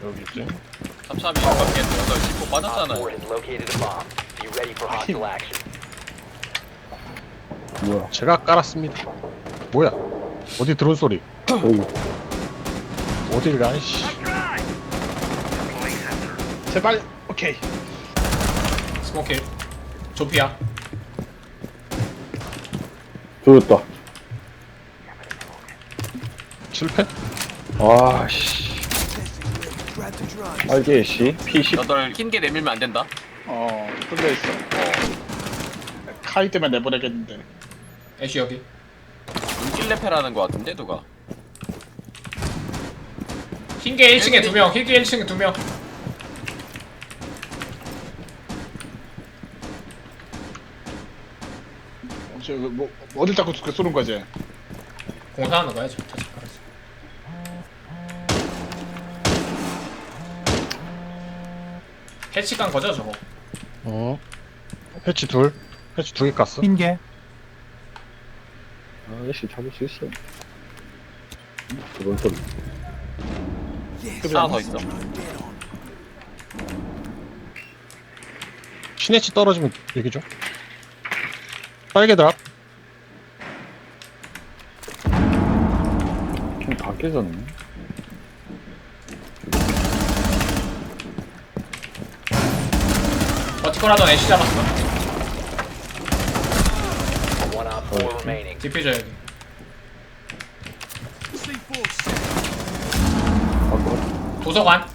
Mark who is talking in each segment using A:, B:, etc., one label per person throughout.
A: 여기지.
B: 삼삼이 밖에 들어서 짚고
C: Op
B: 빠졌잖아요.
C: 4 has located a bomb. Be ready for hostile action.
D: 뭐야?
A: 제가 깔았습니다. 뭐야? 어디 드론 소리?
D: 여기.
A: 어딜 가? 씨.
E: 제발. 오케이.
F: 스모킬 조피야.
D: 조졌다.
A: 실패?
D: 아, 씨. 알게, 씨. P10.
B: 너들 흰게 내밀면 안 된다.
E: 뚫려 있어. 카이 때문에 내보내겠는데.
F: 애쉬 여기.
B: 눈길레페라는 거 같은데 누가?
F: 흰게 1층에 2명. 흰게 1층에 2명.
E: 뭐 어딜 자꾸 쏘는 거지?
F: 공사하는 거야 지금. 알았어. 해치 간 거죠 저거?
A: 어. 패치 둘. 패치 2개 깠어.
G: 흰개
D: 아, 씨, 잡을 수 있어. 그런 소리.
B: 하나 더 있어.
A: 시네치 떨어지면 얘기 좀. 빨개 드랍.
D: 그냥 다 깨졌네.
F: 버티컬 하던 애쉬 잡았어.
C: One Op 4 remaining.
F: 디퓨저 여기. 도서관.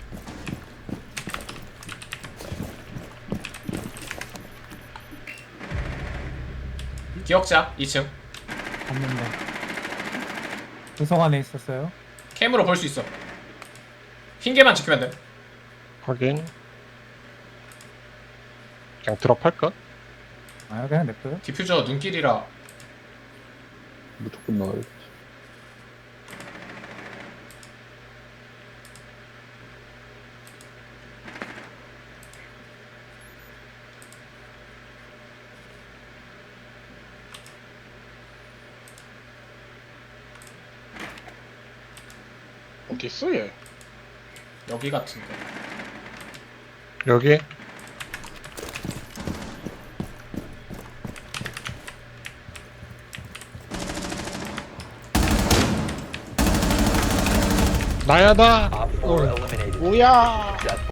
F: 기억자 2층.
G: 봤는데 도서관에 있었어요.
F: 캠으로 볼 수 있어. 흰개만 지키면 돼.
A: 확인. 그냥 드랍할까?
G: 아 그냥 냅둬요.
F: 디퓨저 눈길이라.
D: 무조건 나가야지.
E: 어디 있어 얘?
F: 여기 같은데.
A: 여기. 나야다.
C: Op 4 eliminated.
E: 뭐야?
C: Successful.